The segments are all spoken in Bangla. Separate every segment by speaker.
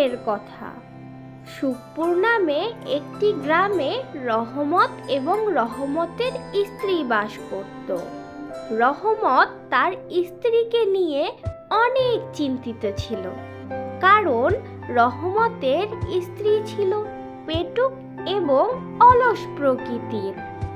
Speaker 1: একবারের কথা। সুখপুর নামে একটি গ্রামে রহমত এবং রহমতের স্ত্রী বাস করত। রহমত তার স্ত্রীকে নিয়ে অনেক চিন্তিত ছিল, কারণ রহমতের স্ত্রী ছিল পেটুক এবং অলস প্রকৃতির।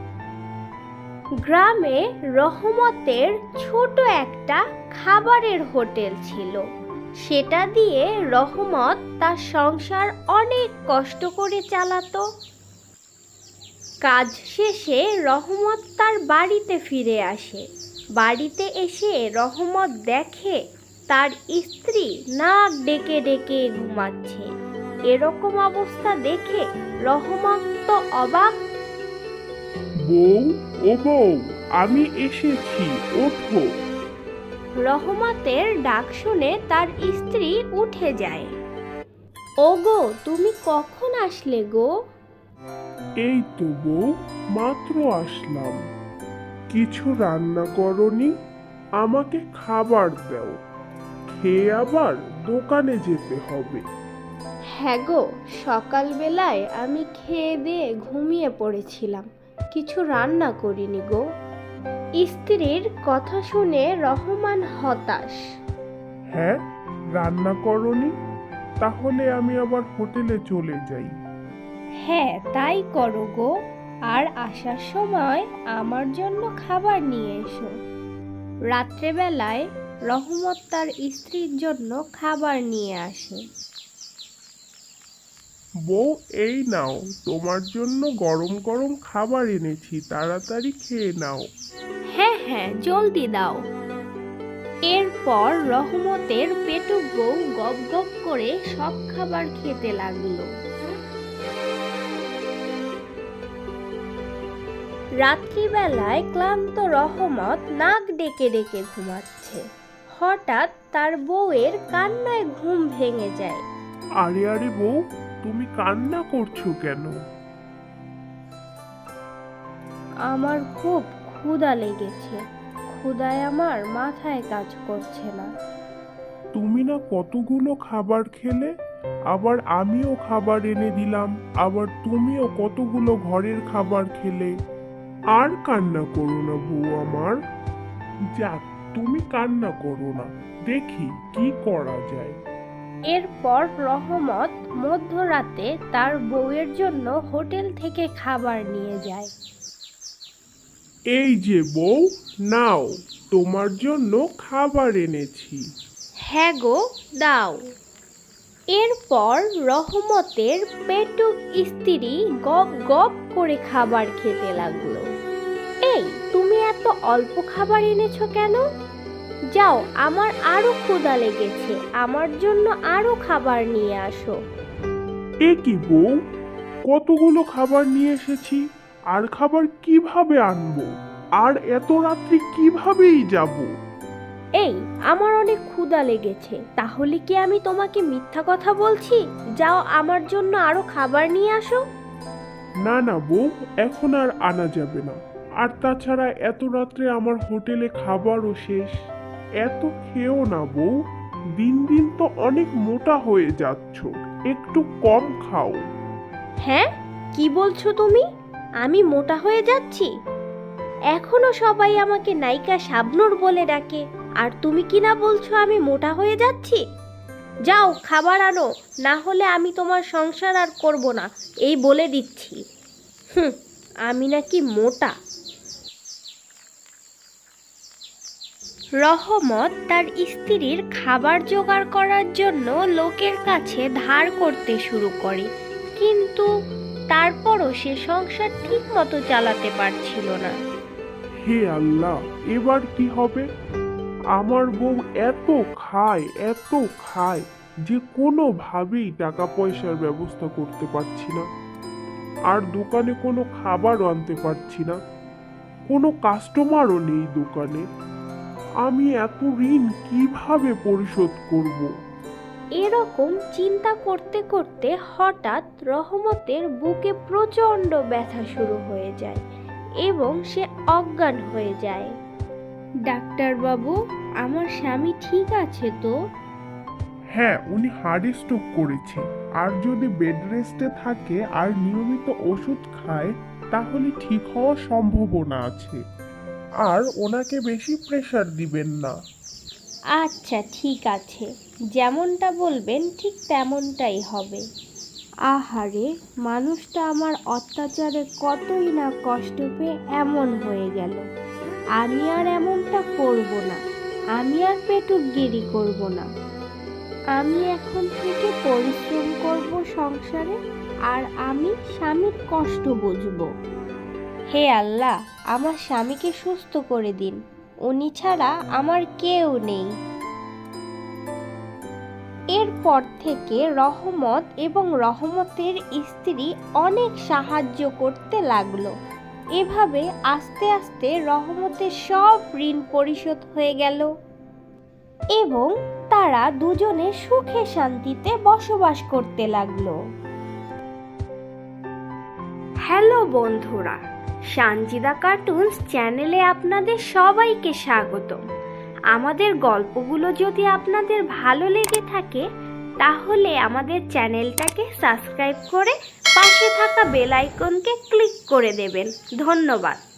Speaker 1: গ্রামে রহমতের ছোট একটা খাবারের হোটেল ছিল। সেটা দিয়ে রহমত তার সংসার অনেক কষ্ট করে চালাতো। কাজ শেষে রহমত তার বাড়িতে ফিরে আসে। বাড়িতে এসে রহমত দেখে তার স্ত্রী নাক ডেকে ডেকে ঘুমাচ্ছে। এরকম অবস্থা দেখে রহমত তো অবাক।
Speaker 2: বউ, ও বউ, আমি এসেছি, ওঠো।
Speaker 1: রহমতের ডাক শুনে তার স্ত্রী উঠে যায়। ওগো, তুমি কখন আসলে গো?
Speaker 2: এই তো বউ, মাত্র আসলাম। কিছু রান্না করনি? আমাকে খাবার দাও, খেয়ে আবার দোকানে যেতে হবে।
Speaker 1: হ্যাঁ গো, সকালবেলায় আমি খেয়ে দিয়ে ঘুমিয়ে পড়েছিলাম, কিছু রান্না করিনি গো। স্ত্রীর কথা শুনে রহমান হতাশ।
Speaker 2: হ্যাঁ, রান্না করনি? তাহলে আমি আবার হোটেলে চলে যাই।
Speaker 1: হ্যাঁ, তাই করো গো, আর আসার সময় আমার জন্য খাবার নিয়ে এসো। রাত্রেবেলায় রহমত তার স্ত্রীর জন্য খাবার নিয়ে আসে।
Speaker 2: বউ, এই নাও, তোমার জন্য গরম গরম খাবার এনেছি, তাড়াতাড়ি খেয়ে নাও।
Speaker 1: হ্যাঁ হ্যাঁ, জলদি দাও। এরপর রহমতের পেটুক বউ গপ গপ করে সব খাবার খেতে লাগলো। রাত্রিবেলায় ক্লান্ত রহমত নাক ডেকে ডেকে ঘুমাচ্ছে। হঠাৎ তার বউয়ের কান্নায় ঘুম ভেঙে যায়।
Speaker 2: আরে আরে বউ, তুমি কান্না করছো কেন?
Speaker 1: আমার খুব ক্ষুধা লেগেছে, ক্ষুধায় আমার মাথায় কাজ করছে না।
Speaker 2: তুমি না কতগুলো খাবার খেলে, আবার আমিও খাবার এনে দিলাম, আবার তুমিও কতগুলো ঘরের খাবার খেলে। আর কান্না করো না বউ আমার। যাক, তুমি কান্না করো না, দেখি কি করা যায়।
Speaker 1: এরপর রহমত মধ্যরাতে তার বউয়ের জন্য হোটেল থেকে খাবার নিয়ে যায়।
Speaker 2: এই যে বউ, নাও, তোমার জন্য খাবার এনেছি।
Speaker 1: হ্যাঁ গো, দাও। এরপর রহমতের পেটুক স্ত্রী গপ গপ করে খাবার খেতে লাগলো। এই, তুমি এত অল্প খাবার এনেছো কেন? যাও, আমার আরো ক্ষুধা লেগেছে, আমার জন্য আরো খাবার নিয়ে আসো।
Speaker 2: এ কি বউ, কতগুলো খাবার নিয়ে এসেছি, আর খাবার কিভাবে আনবো? আর এত রাত্রি কিভাবেই যাব?
Speaker 1: এই, আমার অনেক ক্ষুধা লেগেছে, তাহলে কি আমি তোমাকে মিথ্যা কথা বলছি? যাও, আমার জন্য আরো খাবার নিয়ে আসো।
Speaker 2: না না বউ, এখন আর আনা যাবে না। আর তাছাড়া এত রাত্রে আমার হোটেলে খাবারও শেষ। এত খেও না বউ, দিন দিন তো অনেক মোটা হয়ে যাচ্ছ, একটু কম খাও।
Speaker 1: হ্যাঁ, কি বলছো তুমি? আমি মোটা হয়ে যাচ্ছি? এখনো সবাই আমাকে নায়িকা শাবনূর বলে ডাকে, আর তুমি কি না বলছো আমি মোটা হয়ে যাচ্ছি? যাও, খাবার আনো, না হলে আমি তোমার সংসার আর করব না, এই বলে দিচ্ছি। হুম, আমি নাকি মোটা। রহমত তার স্ত্রীর খাবার জোগাড় করার জন্য লোকের কাছে ধার করতে শুরু করে, কিন্তু তারপরও সে সংসার ঠিক মতো চালাতে পারছিল না।
Speaker 2: হে আল্লাহ, এবার কি হবে? আমার বউ এত খায়, এত খায় যে কোনোভাবেই টাকা পয়সার ব্যবস্থা করতে পারছি না। আর দোকানে কোনো খাবারও আনতে পারছি না, কোনো কাস্টমারও নেই দোকানে। আমি এত ঋণ কিভাবে পরিশোধ করব?
Speaker 1: এরকম চিন্তা করতে করতে হঠাৎ রহমতের বুকে প্রচণ্ড ব্যথা শুরু হয়ে যায় এবং সে অজ্ঞান হয়ে যায়। ডাক্তারবাবু, আমার স্বামী ঠিক আছে তো?
Speaker 2: হ্যাঁ, উনি হার্ট স্ট্রোক করেছে। আর যদি বেড রেস্টে থাকে আর নিয়মিত ওষুধ খায় তাহলে ঠিক হওয়ার সম্ভাবনা আছে। আর ওনাকে বেশি প্রেশার দিবেন না।
Speaker 1: আচ্ছা ঠিক আছে, যেমনটা বলবেন ঠিক তেমনটাই হবে। আহারে, মানুষটা আমার অত্যাচারে কতই না কষ্ট পেয়ে এমন হয়ে গেল। আমি আর এমনটা করব না, আমি আর পেটুকগিরি করব না। আমি এখন থেকে পরিশ্রম করব সংসারে, আর আমি স্বামীর কষ্ট বুঝব। হে আল্লাহ, আমার স্বামীকে সুস্থ করে দিন, উনি ছাড়া আমার কেউ নেই। এরপর থেকে রহমত এবং রহমতের স্ত্রী অনেক সাহায্য করতে লাগলো। এভাবে আস্তে আস্তে রহমতের সব ঋণ পরিশোধ হয়ে গেল এবং তারা দুজনে সুখে শান্তিতে বসবাস করতে লাগলো। হ্যালো বন্ধুরা, সানজিদা কার্টুনস চ্যানেলে আপনাদের সবাইকে স্বাগতম। আমাদের গল্পগুলো যদি আপনাদের ভালো লেগে থাকে তাহলে আমাদের চ্যানেলটাকে সাবস্ক্রাইব করে পাশে থাকা বেল আইকনকে ক্লিক করে দেবেন। ধন্যবাদ।